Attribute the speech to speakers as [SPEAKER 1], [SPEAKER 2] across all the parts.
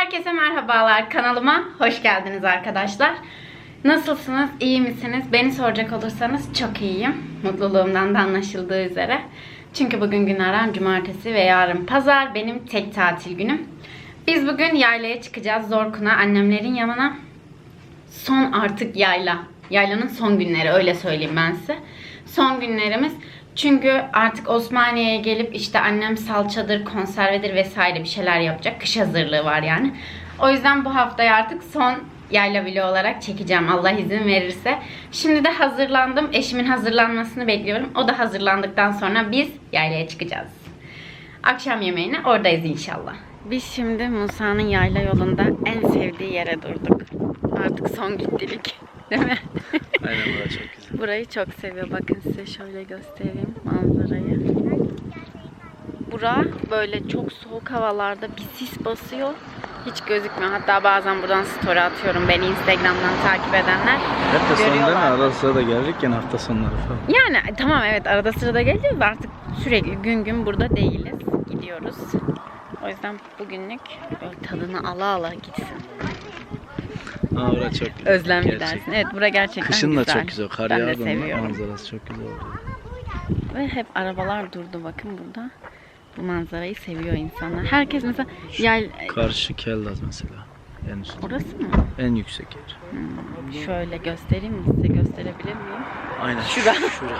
[SPEAKER 1] Herkese merhabalar, kanalıma hoş geldiniz arkadaşlar. Nasılsınız, iyi misiniz? Beni soracak olursanız çok iyiyim. Mutluluğumdan da anlaşıldığı üzere. Çünkü bugün günlerden cumartesi ve yarın pazar benim tek tatil günüm. Biz bugün yaylaya çıkacağız, Zorkun'a, annemlerin yanına. Son artık yayla. Yaylanın son günleri, öyle söyleyeyim ben size. Son günlerimiz. Çünkü artık Osmaniye'ye gelip işte annem salçadır, konservedir vesaire bir şeyler yapacak. Kış hazırlığı var yani. O yüzden bu haftayı artık son yayla vlogu olarak çekeceğim Allah izin verirse. Şimdi de hazırlandım. Eşimin hazırlanmasını bekliyorum. O da hazırlandıktan sonra biz yaylaya çıkacağız. Akşam yemeğine oradayız inşallah. Biz şimdi Musa'nın yayla yolunda en sevdiği yere durduk. Artık son gittilik. Değil mi?
[SPEAKER 2] Aynen, burası çok güzel.
[SPEAKER 1] Burayı çok seviyor. Bakın size şöyle göstereyim manzarayı. Bura böyle çok soğuk havalarda bir sis basıyor. Hiç gözükmüyor. Hatta bazen buradan story atıyorum. Beni Instagram'dan takip edenler
[SPEAKER 2] Hafta sonu değil mi?
[SPEAKER 1] görüyorlar.
[SPEAKER 2] Arada sırada gelirken hafta sonları falan.
[SPEAKER 1] Yani tamam, evet, arada sırada geleceğiz. Artık sürekli gün gün burada değiliz. Gidiyoruz. O yüzden bugünlük böyle tadını ala ala gitsin.
[SPEAKER 2] Aa, burası çok güzel.
[SPEAKER 1] Özlem
[SPEAKER 2] Gerçekten.
[SPEAKER 1] gidersin. Evet, bura gerçekten
[SPEAKER 2] Kışın
[SPEAKER 1] güzel.
[SPEAKER 2] da çok güzel. Kar
[SPEAKER 1] Ben de
[SPEAKER 2] yağdığında
[SPEAKER 1] seviyorum.
[SPEAKER 2] manzarası çok güzel oluyor.
[SPEAKER 1] Ve hep arabalar durdu, bakın burada. Bu manzarayı seviyor insanlar. Herkes mesela
[SPEAKER 2] Karşı Keldaz mesela. En üst.
[SPEAKER 1] Orası mı?
[SPEAKER 2] En yüksek yer.
[SPEAKER 1] Şöyle göstereyim mi size, gösterebilir miyim?
[SPEAKER 2] Aynen.
[SPEAKER 1] Şura.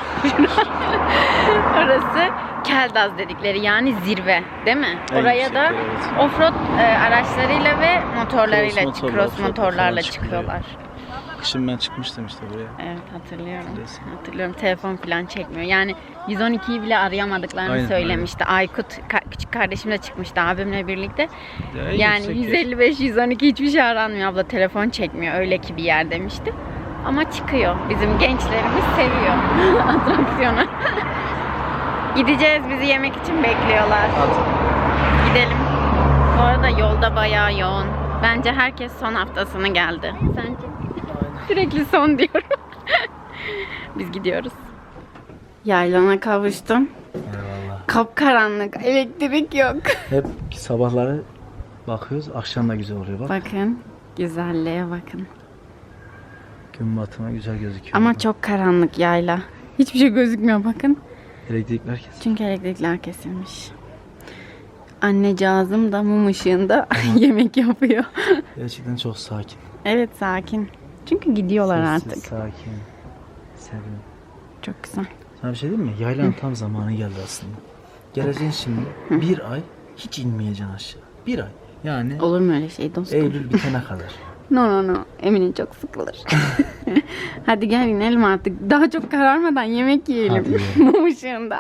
[SPEAKER 1] Orası Keldaz dedikleri, yani zirve değil mi?
[SPEAKER 2] En
[SPEAKER 1] Oraya
[SPEAKER 2] yüksek
[SPEAKER 1] da
[SPEAKER 2] yer, evet.
[SPEAKER 1] offroad araçlarıyla ve motorlarıyla,
[SPEAKER 2] Cross
[SPEAKER 1] cross motorlarla
[SPEAKER 2] falan
[SPEAKER 1] çıkıyorlar.
[SPEAKER 2] Kışın ben çıkmıştım işte buraya.
[SPEAKER 1] Evet, hatırlıyorum.
[SPEAKER 2] Biliyorsun.
[SPEAKER 1] Hatırlıyorum, telefon falan çekmiyor. Yani 112'yi bile arayamadıklarını
[SPEAKER 2] Aynen,
[SPEAKER 1] söylemişti. Aykut küçük kardeşim de çıkmıştı abimle birlikte.
[SPEAKER 2] Ya,
[SPEAKER 1] Yani 155-112 hiçbir şey aranmıyor abla, telefon çekmiyor, öyle ki bir yer demişti. Ama çıkıyor. Bizim gençlerimiz seviyor atraksiyonu. Gideceğiz, bizi yemek için bekliyorlar. Gidelim. Bu arada yolda bayağı yoğun. Bence herkes son haftasını geldi. Sence? Sürekli son diyorum. Biz gidiyoruz. Yaylana kavuştum.
[SPEAKER 2] Eyvallah.
[SPEAKER 1] Kapkaranlık, elektrik yok.
[SPEAKER 2] Hep sabahları bakıyoruz, akşam da güzel oluyor bak.
[SPEAKER 1] Bakın, güzelliğe bakın.
[SPEAKER 2] Gün batımı güzel gözüküyor.
[SPEAKER 1] Ama çok karanlık yayla. Hiçbir şey gözükmüyor, bakın.
[SPEAKER 2] Elektrikler kesin.
[SPEAKER 1] Çünkü elektrikler kesilmiş. Annecağızım da mum ışığında yemek yapıyor.
[SPEAKER 2] Gerçekten çok sakin.
[SPEAKER 1] Evet, sakin. Çünkü gidiyorlar
[SPEAKER 2] Sessiz,
[SPEAKER 1] artık.
[SPEAKER 2] sakin. Serin.
[SPEAKER 1] Çok güzel.
[SPEAKER 2] Sana bir şey diyeyim mi? Yaylanın tam zamanı geldi aslında. Geleceksin şimdi. Bir ay hiç inmeyeceksin aşağı. Bir ay. Yani
[SPEAKER 1] Olur mu öyle şey dostum?
[SPEAKER 2] Eylül bitene kadar.
[SPEAKER 1] No. Emin'in çok sıkılır. Hadi gel inelim artık. Daha çok kararmadan yemek yiyelim.
[SPEAKER 2] Hadi yiyelim.
[SPEAKER 1] Mum ışığında.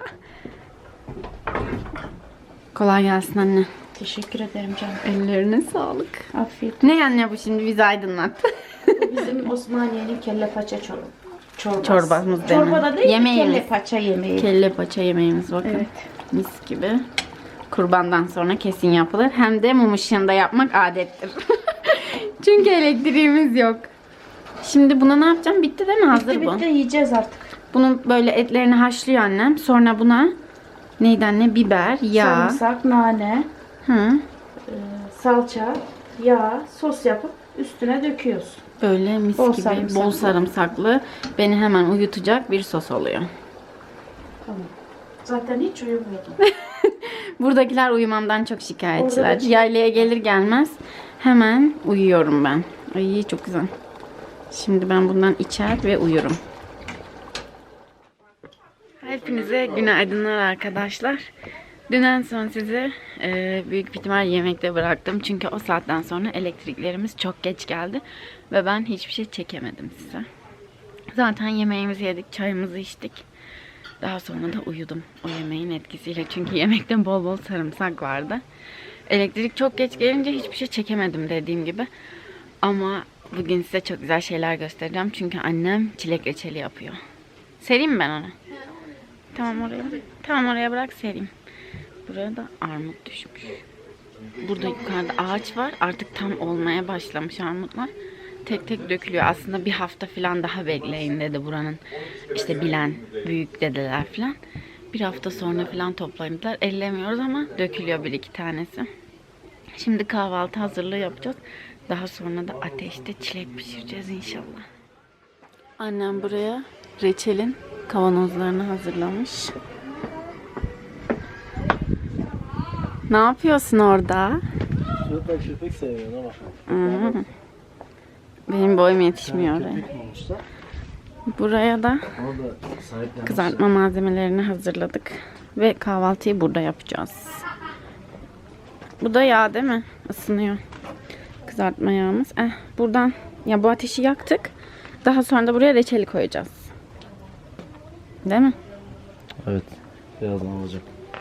[SPEAKER 1] Kolay gelsin anne.
[SPEAKER 3] Teşekkür ederim canım.
[SPEAKER 1] Ellerine sağlık.
[SPEAKER 3] Afiyet.
[SPEAKER 1] Ne anne bu şimdi, bizi aydınlat.
[SPEAKER 3] Bu bizim Osmaniye'nin kelle paça çorbası.
[SPEAKER 1] Çorbamız denen.
[SPEAKER 3] Çorba da değil,
[SPEAKER 1] Yemeğimiz.
[SPEAKER 3] kelle paça yemeği.
[SPEAKER 1] Kelle paça yemeğimiz, bakın.
[SPEAKER 3] Evet.
[SPEAKER 1] Mis gibi. Kurbandan sonra kesin yapılır. Hem de mum ışığında yapmak adettir. Çünkü elektriğimiz yok. Şimdi buna ne yapacağım? Bitti değil mi? Hazır bu.
[SPEAKER 3] Bitti yiyeceğiz artık.
[SPEAKER 1] Bunun böyle etlerini haşlıyor annem. Sonra buna neydi anne? Biber, yağ.
[SPEAKER 3] Sarımsak, nane,
[SPEAKER 1] Hı.
[SPEAKER 3] salça, yağ, sos yapıp üstüne döküyoruz.
[SPEAKER 1] Böyle mis
[SPEAKER 3] Bol
[SPEAKER 1] gibi
[SPEAKER 3] sarımsaklı.
[SPEAKER 1] bol sarımsaklı, beni hemen uyutacak bir sos oluyor.
[SPEAKER 3] Tamam. Zaten hiç uyumuyordum.
[SPEAKER 1] Buradakiler uyumamdan çok şikayetçiler.
[SPEAKER 3] Orada da-
[SPEAKER 1] Yaylaya gelir gelmez hemen uyuyorum ben. Ay çok güzel. Şimdi ben bundan içer ve uyurum. Hepinize günaydınlar arkadaşlar. Dünden sonra sizi büyük bir ihtimal yemekte bıraktım. Çünkü o saatten sonra elektriklerimiz çok geç geldi. Ve ben hiçbir şey çekemedim size. Zaten yemeğimizi yedik, çayımızı içtik. Daha sonra da uyudum o yemeğin etkisiyle. Çünkü yemekte bol bol sarımsak vardı. Elektrik çok geç gelince hiçbir şey çekemedim dediğim gibi. Ama bugün size çok güzel şeyler göstereceğim. Çünkü annem çilek reçeli yapıyor. Sereyim mi ben onu? Tamam, oraya. Tamam, oraya bırak, sereyim. Buraya da armut düşmüş. Burada yukarıda ağaç var. Artık tam olmaya başlamış armutlar. Tek tek dökülüyor. Aslında bir hafta falan daha bekleyin dedi buranın işte bilen büyük dedeler falan. Bir hafta sonra falan toplayın dediler. Ellemiyoruz ama dökülüyor bir iki tanesi. Şimdi kahvaltı hazırlığı yapacağız. Daha sonra da ateşte çilek pişireceğiz inşallah. Annem buraya reçelin kavanozlarını hazırlamış. Ne yapıyorsun orada?
[SPEAKER 2] Şurada köpek seviyor ona bak.
[SPEAKER 1] Hı. Benim boyum yetişmiyor oraya.
[SPEAKER 2] Köpek mi olmuşlar?
[SPEAKER 1] Buraya da
[SPEAKER 2] Onu da sahiplenmişler.
[SPEAKER 1] kızartma malzemelerini hazırladık. Ve kahvaltıyı burada yapacağız. Bu da yağ değil mi? Isınıyor. Kızartma yağımız. Buradan ya bu ateşi yaktık. Daha sonra da buraya reçeli koyacağız. Değil mi?
[SPEAKER 2] Evet. Birazdan olacak.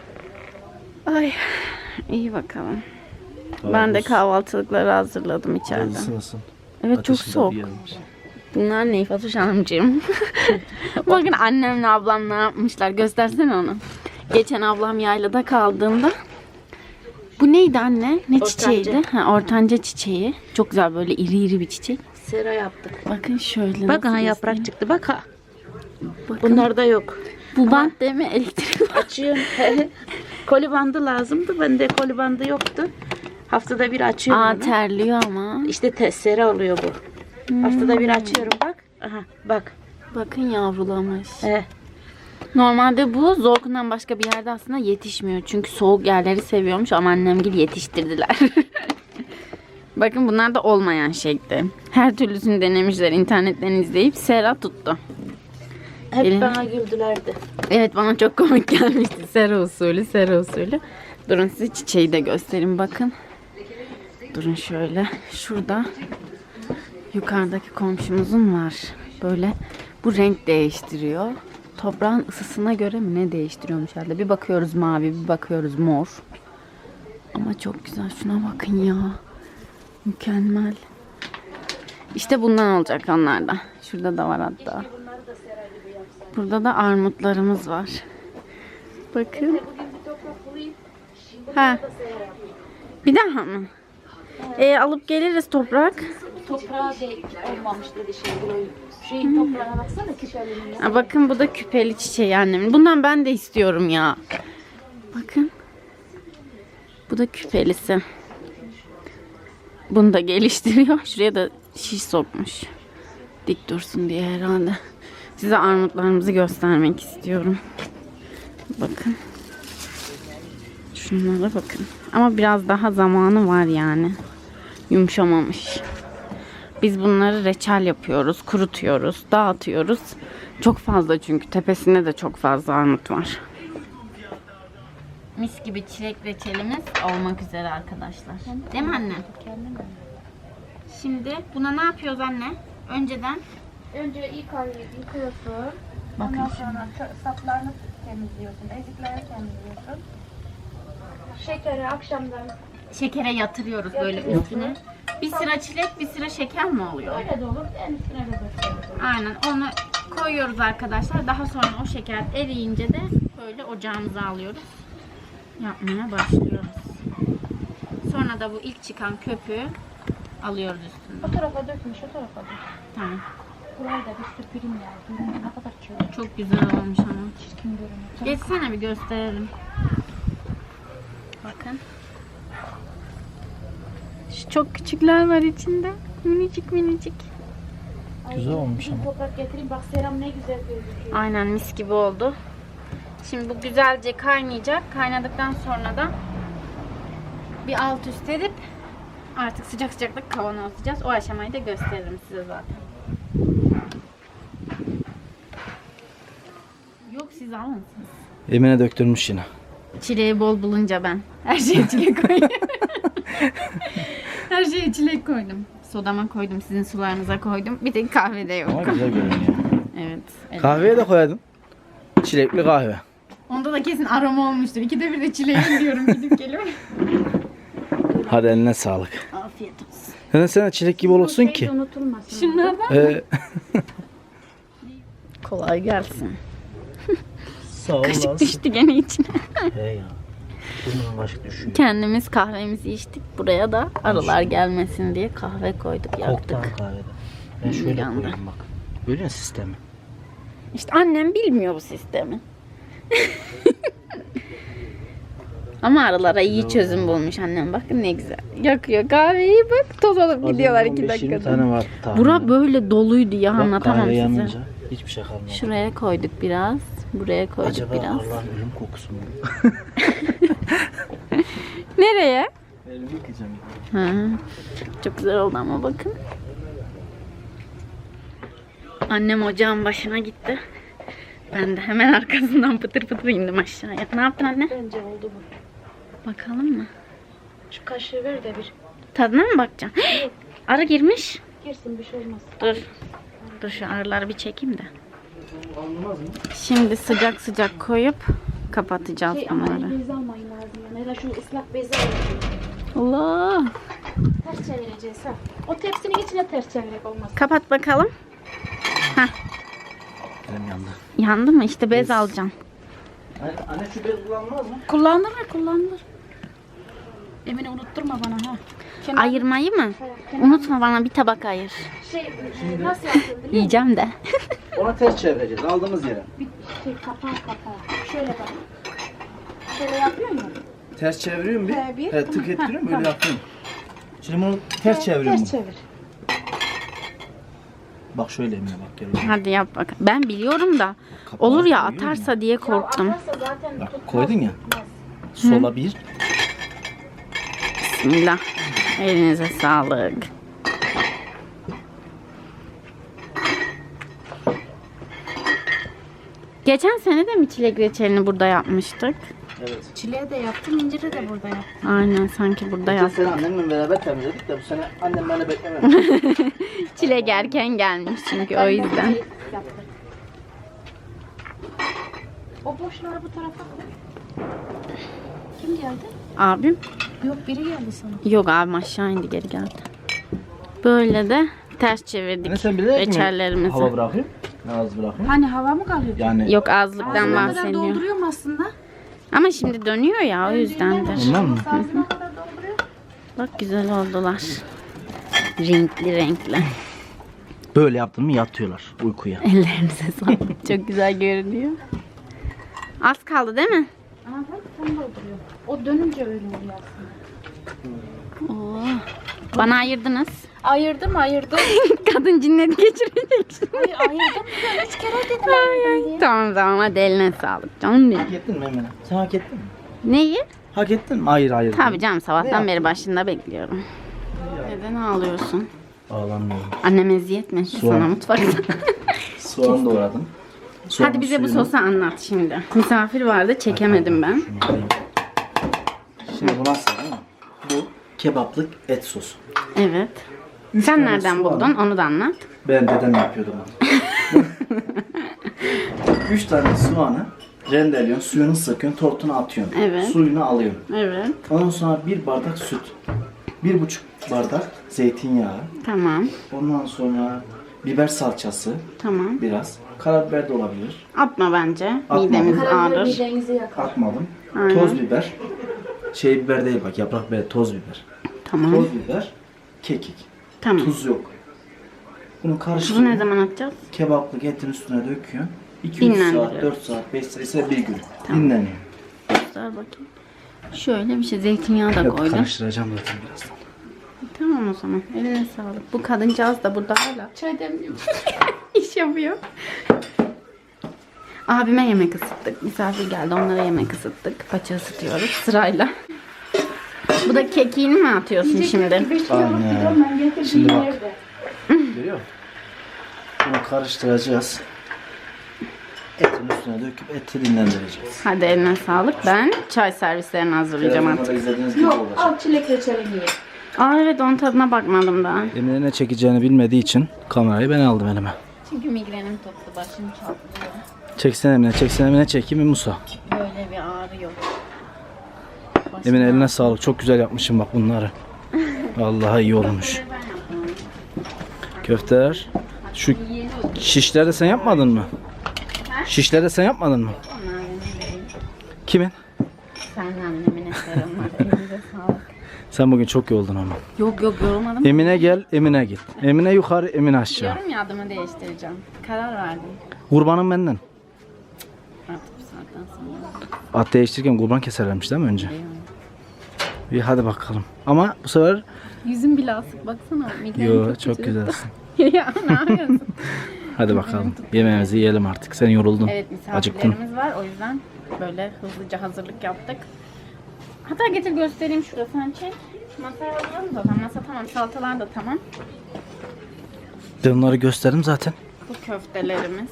[SPEAKER 1] Ay iyi bakalım. Ben de kahvaltılıkları hazırladım içeride.
[SPEAKER 2] Isınsın.
[SPEAKER 1] Evet çok
[SPEAKER 2] Ateşi de
[SPEAKER 1] soğuk.
[SPEAKER 2] bir yanmış.
[SPEAKER 1] Bunlar ne Fatoş Hanımcığım? Bakın annemle ablam ne yapmışlar. Göstersene onu. Geçen ablam yaylada kaldığında bu neydi anne? Ne çiçeğiydi? Ortanca çiçeği. Çok güzel böyle iri iri bir çiçek.
[SPEAKER 3] Sera yaptık.
[SPEAKER 1] Bakın şöyle.
[SPEAKER 3] Bak
[SPEAKER 1] nasıl
[SPEAKER 3] ha yaprak
[SPEAKER 1] göstereyim.
[SPEAKER 3] çıktı. Bak ha.
[SPEAKER 1] Bakın.
[SPEAKER 3] Bunlar da yok.
[SPEAKER 1] Bu bant değil mi? Elektrik.
[SPEAKER 3] Açıyorum. Koli bandı lazımdı. Bende koli bandı yoktu. Haftada bir açıyorum onu.
[SPEAKER 1] Terliyor ama.
[SPEAKER 3] İşte sera oluyor bu. Haftada bir açıyorum bak. Aha bak.
[SPEAKER 1] Bakın yavrulamış.
[SPEAKER 3] He.
[SPEAKER 1] Normalde bu Zorkun'dan başka bir yerde aslında yetişmiyor. Çünkü soğuk yerleri seviyormuş ama annemgil yetiştirdiler. Bakın bunlar da olmayan şekli. Her türlüsünü denemişler internetten izleyip sera tuttu.
[SPEAKER 3] Hep
[SPEAKER 1] Gelin.
[SPEAKER 3] bana güldülerdi.
[SPEAKER 1] Evet bana çok komik gelmişti. Sera usulü, sera usulü. Durun size çiçeği de göstereyim bakın. Durun şöyle. Şurada yukarıdaki komşumuzun var. Böyle bu renk değiştiriyor. Toprağın ısısına göre mi ne değiştiriyormuş herhalde. Bir bakıyoruz mavi, bir bakıyoruz mor. Ama çok güzel. Şuna bakın ya. Mükemmel. İşte bundan olacak onlarda. Şurada da var hatta. Burada da armutlarımız var. Bakın. Ha. Bir daha mı? Alıp geliriz toprak.
[SPEAKER 3] Toprağa olmamış dedi Şeyin toprağına baksana küpelinin.
[SPEAKER 1] Ha, bakın bu da küpeli çiçeği annemin. Bundan ben de istiyorum ya. Bakın. Bu da küpelisi. Bunu da geliştiriyor. Şuraya da şiş sokmuş. Dik dursun diye herhalde. Size armutlarımızı göstermek istiyorum. Bakın. Şunlara bakın. Ama biraz daha zamanı var yani. Yumuşamamış. Biz bunları reçel yapıyoruz, kurutuyoruz, dağıtıyoruz. Çok fazla çünkü tepesinde de çok fazla armut var. Mis gibi çilek reçelimiz olmak üzere arkadaşlar. Değil mi anne? Şimdi buna ne yapıyoruz anne? Önceden
[SPEAKER 4] Önce yıkıyorsun.
[SPEAKER 1] bakın
[SPEAKER 4] Ondan sonra saplarını temizliyorsun. Ezikleri temizliyorsun. Şekeri akşamdan
[SPEAKER 1] şekere yatırıyoruz böyle üstüne. Bir sıra çilek, bir sıra şeker mi oluyor?
[SPEAKER 4] öyle de olur. En üstüne de döküyoruz.
[SPEAKER 1] Aynen onu koyuyoruz arkadaşlar. Daha sonra o şeker eriyince de böyle ocağımıza alıyoruz. Yapmaya başlıyoruz. Sonra da bu ilk çıkan köpüğü alıyoruz üstüne.
[SPEAKER 4] O tarafa dökmüş, o tarafa dök.
[SPEAKER 1] Tamam.
[SPEAKER 4] Burayı da bir süpüreyim ya. Görünüyor ne kadar çirkin
[SPEAKER 1] Çok güzel olmuş ama.
[SPEAKER 4] görünüyor.
[SPEAKER 1] Geçsene bir gösterelim. Bakın. Şu çok küçükler var içinde. Minicik minicik.
[SPEAKER 2] Güzel olmuş ama.
[SPEAKER 4] Toprak getireyim. Bak seram ne güzel gözüküyor.
[SPEAKER 1] Aynen mis gibi oldu. Şimdi bu güzelce kaynayacak. Kaynadıktan sonra da bir alt üst edip artık sıcak sıcakta kavanozlayacağız. O aşamayı da gösteririm size zaten. Yok siz almışsınız.
[SPEAKER 2] Emine döktürmüş yine.
[SPEAKER 1] Çileği bol bulunca ben. Her şeye çilek koydum. Her şeye çilek koydum. Sodama koydum, sizin sularınıza koydum. Bir tek kahvede yok.
[SPEAKER 2] Ama güzel görünüyor.
[SPEAKER 1] Evet.
[SPEAKER 2] Kahveye de koydum. Çilekli kahve.
[SPEAKER 1] Onda da kesin aroma olmuştur. İkide bir de çileğim diyorum gidip geliyorum.
[SPEAKER 2] Hadi eline sağlık.
[SPEAKER 1] Afiyet olsun.
[SPEAKER 2] Sen çilek gibi olursun
[SPEAKER 3] Şey de
[SPEAKER 2] ki.
[SPEAKER 3] unutulmasın.
[SPEAKER 1] Şunlardan
[SPEAKER 2] Ee,
[SPEAKER 1] kolay gelsin.
[SPEAKER 2] Sağ ol.
[SPEAKER 1] Kaşık düştü gene içine.
[SPEAKER 2] He ya. Bunun kaşık düşüyor.
[SPEAKER 1] Kendimiz kahvemizi içtik. Buraya da arılar gelmesin diye kahve koyduk, yaptık.
[SPEAKER 2] Koktan kahvede. Ben şöyle
[SPEAKER 1] Yandı.
[SPEAKER 2] koyayım bak. Görüyor musun sistemi?
[SPEAKER 1] İşte annem bilmiyor bu sistemi. Ama aralara iyi çözüm bulmuş annem. Bakın ne güzel. Yakıyor kahveyi bak. Toz alıp gidiyorlar 2
[SPEAKER 2] 15-20
[SPEAKER 1] dakikada.
[SPEAKER 2] tane var tahmin.
[SPEAKER 1] Bura böyle doluydu ya,
[SPEAKER 2] Bak,
[SPEAKER 1] anlatamam
[SPEAKER 2] kahve
[SPEAKER 1] size.
[SPEAKER 2] yanınca hiçbir şey kalmadı.
[SPEAKER 1] Şuraya koyduk biraz. Buraya koyduk
[SPEAKER 2] Acaba
[SPEAKER 1] biraz.
[SPEAKER 2] Allah'ın ölüm kokusu mu?
[SPEAKER 1] Nereye?
[SPEAKER 2] Elimi yıkayacağım.
[SPEAKER 1] Ha. Çok güzel oldu ama bakın. Annem ocağın başına gitti. Ben de hemen arkasından pıtır pıtır indim aşağıya. Ne yaptın anne?
[SPEAKER 4] Bence oldu bu.
[SPEAKER 1] Bakalım mı?
[SPEAKER 4] Şu kaşığı ver de bir.
[SPEAKER 1] Tadına mı bakacaksın? Arı girmiş.
[SPEAKER 4] Girsin bir şey olmaz.
[SPEAKER 1] Dur. Dur şu arıları bir çekeyim de.
[SPEAKER 2] Anlamaz mı?
[SPEAKER 1] Şimdi sıcak sıcak koyup kapatacağız
[SPEAKER 4] Ama
[SPEAKER 1] bunları.
[SPEAKER 4] bez almayın lazım. Yani. Ya da şu ıslak bezi alın.
[SPEAKER 1] Allah.
[SPEAKER 4] Ters çevireceğiz ha. O tepsinin içine ters çevirerek olmaz.
[SPEAKER 1] Kapat bakalım.
[SPEAKER 2] Elim yandı.
[SPEAKER 1] Yandı mı? İşte bez alacağım.
[SPEAKER 2] Anne şu bez kullanmaz mı?
[SPEAKER 4] Kullanılır. Emine unutturma bana ha.
[SPEAKER 1] Ayırmayı mı? Unutma, bana bir tabak ayır.
[SPEAKER 4] Nasıl yaptın biliyor musun?
[SPEAKER 1] Yiyeceğim de.
[SPEAKER 2] Ona ters çevireceğiz aldığımız yere.
[SPEAKER 4] Bir kapağı. Şöyle bak. Şöyle yapıyor musun?
[SPEAKER 2] Ters çeviriyorum bir.
[SPEAKER 4] He, bir.
[SPEAKER 2] Evet, tık ettiriyorum böyle yapıyorum. Şimdi bunu ters çeviriyorum.
[SPEAKER 4] Ters çevir.
[SPEAKER 2] Bak şöyle Emine bak gel.
[SPEAKER 1] Hadi yap bak. Ben biliyorum da
[SPEAKER 2] Kapağı
[SPEAKER 1] olur ya,
[SPEAKER 2] koyuyor
[SPEAKER 1] atarsa diye korktum.
[SPEAKER 4] Atarsa zaten
[SPEAKER 2] Bak,
[SPEAKER 4] tutmaz.
[SPEAKER 2] koydun ya. Sola bir.
[SPEAKER 1] Bismillah. Elinize sağlık. Geçen sene de mi çilek reçelini burada yapmıştık?
[SPEAKER 2] Evet.
[SPEAKER 4] Çileği de yaptım, inciri de burada yaptım.
[SPEAKER 1] Aynen, sanki burada
[SPEAKER 2] Geçen
[SPEAKER 1] yaptık.
[SPEAKER 2] sene annemle beraber temizledik de bu sene annem beni beklememiş.
[SPEAKER 1] Çilek erken gelmiş çünkü o yüzden.
[SPEAKER 4] Yaptık. O boşları bu tarafa koy. Kim geldi?
[SPEAKER 1] Abim?
[SPEAKER 4] Yok, biri geldi sana.
[SPEAKER 1] Yok, abim aşağı indi, geri geldi. Böyle de ters çevirdik
[SPEAKER 2] Anne sen bilerek mi
[SPEAKER 1] reçellerimizi.
[SPEAKER 2] hava bırakıyorsun? Ne az bırakıyorsun?
[SPEAKER 4] Hani hava mı kalıyor?
[SPEAKER 2] Yani
[SPEAKER 1] Yok, azlıktan
[SPEAKER 4] Ağzına kadar
[SPEAKER 1] bahsediyor.
[SPEAKER 4] dolduruyorum aslında.
[SPEAKER 1] Ama şimdi dönüyor ya, o yüzdendir.
[SPEAKER 2] ondan mı?
[SPEAKER 4] Ağzına kadar dolduruyor.
[SPEAKER 1] Bak güzel oldular. Renkli renkli.
[SPEAKER 2] Böyle yaptın mı yatıyorlar uykuya.
[SPEAKER 1] Ellerinize sağlık. Çok güzel görünüyor. Az kaldı değil mi?
[SPEAKER 4] Aha bak, tam dolduruyor. O dönünce öyle oluyor aslında.
[SPEAKER 1] Oo. Bana ayırdınız.
[SPEAKER 4] Ayırdım.
[SPEAKER 1] Kadın cinnet geçirecek şimdi.
[SPEAKER 4] Ayırdım. 3 kere dedim
[SPEAKER 1] Ay,
[SPEAKER 4] ayırdım diye.
[SPEAKER 1] tamam hadi eline sağlık canım benim.
[SPEAKER 2] Hak ettin mi Emine? Sen hak ettin mi?
[SPEAKER 1] Neyi?
[SPEAKER 2] Hak ettin mi? Hayır.
[SPEAKER 1] Tabii canım,
[SPEAKER 2] Ne
[SPEAKER 1] sabahtan
[SPEAKER 2] yaptın?
[SPEAKER 1] beri başında bekliyorum. Neden ağlıyorsun?
[SPEAKER 2] Ağlamıyorum.
[SPEAKER 1] Annem eziyet mi etti sana mutfakta?
[SPEAKER 2] Soğan doğradım.
[SPEAKER 1] Hadi bize bu sosu anlat şimdi. Misafir vardı, çekemedim ben.
[SPEAKER 2] Şimdi bu nasıl değil mi? Bu kebaplık et sosu.
[SPEAKER 1] Evet. Sen
[SPEAKER 2] tane
[SPEAKER 1] nereden
[SPEAKER 2] soğan.
[SPEAKER 1] buldun? Onu da anlat.
[SPEAKER 2] Ben dedem yapıyordu bunu. 3 tane soğanı rendeliyorsun, suyunu sıkıyorsun, tortuna atıyorsun.
[SPEAKER 1] Evet.
[SPEAKER 2] Suyunu alıyorsun.
[SPEAKER 1] Evet.
[SPEAKER 2] Ondan sonra 1 bardak süt. 1,5 bardak zeytinyağı.
[SPEAKER 1] Tamam.
[SPEAKER 2] Ondan sonra biber salçası
[SPEAKER 1] Tamam.
[SPEAKER 2] biraz. Karabiber de olabilir.
[SPEAKER 1] Atma bence.
[SPEAKER 2] Atma.
[SPEAKER 1] Midemiz
[SPEAKER 4] Karabiber
[SPEAKER 1] ağrır.
[SPEAKER 4] midenizi yakar.
[SPEAKER 2] Atmadım.
[SPEAKER 1] Aynen.
[SPEAKER 2] Toz biber. Şey biber değil bak, yaprak biber, toz biber.
[SPEAKER 1] Tamam.
[SPEAKER 2] Toz biber, kekik.
[SPEAKER 1] Tamam.
[SPEAKER 2] Tuz yok. Bunu
[SPEAKER 1] Tuzu
[SPEAKER 2] karıştırıyorsun.
[SPEAKER 1] ne zaman atacağız?
[SPEAKER 2] Kebaplık etin üstüne döküyorsun. 2-3 saat,
[SPEAKER 1] Dinlendiriyoruz.
[SPEAKER 2] 4 saat, 5 saat ise bir gün. Dinleniyor.
[SPEAKER 1] Dur bakayım. Şöyle bir şey, zeytinyağı da
[SPEAKER 2] Yok,
[SPEAKER 1] koydum.
[SPEAKER 2] karıştıracağım zaten birazdan.
[SPEAKER 1] Tamam o zaman. Eline sağlık. Bu kadıncağız da burada hala
[SPEAKER 4] Çay demliyor.
[SPEAKER 1] iş yapıyor. Abime yemek ısıttık. Misafir geldi, onlara yemek ısıttık. Paça ısıtıyoruz sırayla. Bu da kekiğini mi atıyorsun şimdi?
[SPEAKER 2] Aynen. Şimdi bak. Görüyor musun? Bunu karıştıracağız. Etin üstüne döküp eti dinlendireceğiz.
[SPEAKER 1] Hadi eline sağlık. Ben çay servislerini hazırlayacağım
[SPEAKER 2] Telefonda
[SPEAKER 1] artık.
[SPEAKER 2] izlediğiniz gibi
[SPEAKER 4] Yok,
[SPEAKER 2] olacak.
[SPEAKER 4] al çilek reçelini ye.
[SPEAKER 1] Aa evet, onun tadına bakmadım daha.
[SPEAKER 2] Emine ne çekeceğini bilmediği için kamerayı ben aldım elime.
[SPEAKER 1] Çünkü migrenim tuttu, başım çatlıyor.
[SPEAKER 2] Çeksen Emine çekeyim mi Musa?
[SPEAKER 1] Böyle bir ağrı yok.
[SPEAKER 2] Emine eline sağlık. Çok güzel yapmışım bak bunları. Vallahi iyi olmuş. Köfteler. Şu şişleri de sen yapmadın mı? Şişleri de sen yapmadın mı? Kimin?
[SPEAKER 1] Sen annemin eserim var. Elinize sağlık.
[SPEAKER 2] Sen bugün çok yoruldun ama.
[SPEAKER 1] Yok yorulmadım.
[SPEAKER 2] Emine gel, Emine git. Emine yukarı, Emine aşağı.
[SPEAKER 1] Diyorum ya, adımı değiştireceğim. Karar verdim.
[SPEAKER 2] Kurbanım benden.
[SPEAKER 1] Artık bu saatten sonra.
[SPEAKER 2] At değiştirirken kurban keserlermiş değil mi önce?
[SPEAKER 1] Diyorum.
[SPEAKER 2] Bir hadi bakalım. Ama bu sefer
[SPEAKER 1] Yüzüm bile asık baksana.
[SPEAKER 2] yo çok güzelsin.
[SPEAKER 1] Ya ne yapıyorsun?
[SPEAKER 2] Hadi bakalım. Yemeğimizi yiyelim artık. Sen yoruldun.
[SPEAKER 1] Evet,
[SPEAKER 2] Acıktın.
[SPEAKER 1] misafirlerimiz var. O yüzden böyle hızlıca hazırlık yaptık. Hatta getir göstereyim şurada, sen çek. Masaya alalım da. Masa tamam. Salatalar da tamam.
[SPEAKER 2] De onları gösterdim zaten.
[SPEAKER 1] Bu köftelerimiz.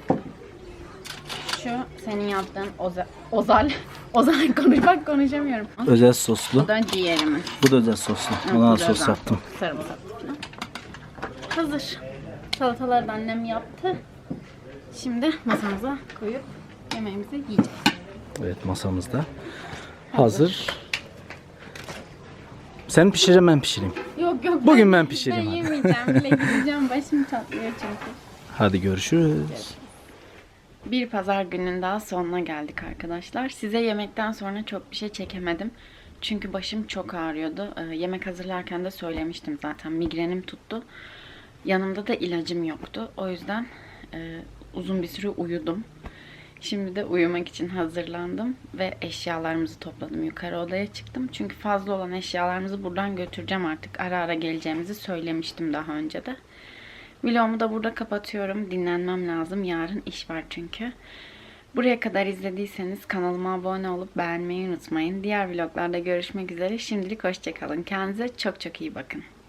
[SPEAKER 1] Şu senin yaptığın ozal. Ozal konuşamıyorum.
[SPEAKER 2] Özel soslu.
[SPEAKER 1] Bu da ciğerimiz.
[SPEAKER 2] Bu da özel soslu.
[SPEAKER 1] Evet,
[SPEAKER 2] Ona
[SPEAKER 1] bu da
[SPEAKER 2] sos
[SPEAKER 1] özel.
[SPEAKER 2] yaptım.
[SPEAKER 1] Sarımsaklı falan. Hazır. Salataları da annem yaptı. Şimdi masamıza koyup yemeğimizi yiyeceğiz.
[SPEAKER 2] Evet, masamızda. Hazır. Sen pişireyim, ben pişireyim.
[SPEAKER 1] Yok.
[SPEAKER 2] Bugün ben pişireyim
[SPEAKER 1] Ben
[SPEAKER 2] hadi.
[SPEAKER 1] yemeyeceğim bile, gideceğim. Başım çatlıyor çünkü.
[SPEAKER 2] Hadi görüşürüz.
[SPEAKER 1] Bir pazar günün daha sonuna geldik arkadaşlar. Size yemekten sonra çok bir şey çekemedim. Çünkü başım çok ağrıyordu. Yemek hazırlarken de söylemiştim zaten. Migrenim tuttu. Yanımda da ilacım yoktu. O yüzden uzun bir süre uyudum. Şimdi de uyumak için hazırlandım ve eşyalarımızı topladım. Yukarı odaya çıktım. Çünkü fazla olan eşyalarımızı buradan götüreceğim artık. Ara ara geleceğimizi söylemiştim daha önce de. Vlogumu da burada kapatıyorum. Dinlenmem lazım. Yarın iş var çünkü. Buraya kadar izlediyseniz kanalıma abone olup beğenmeyi unutmayın. Diğer vloglarda görüşmek üzere. Şimdilik hoşça kalın. Kendinize çok çok iyi bakın.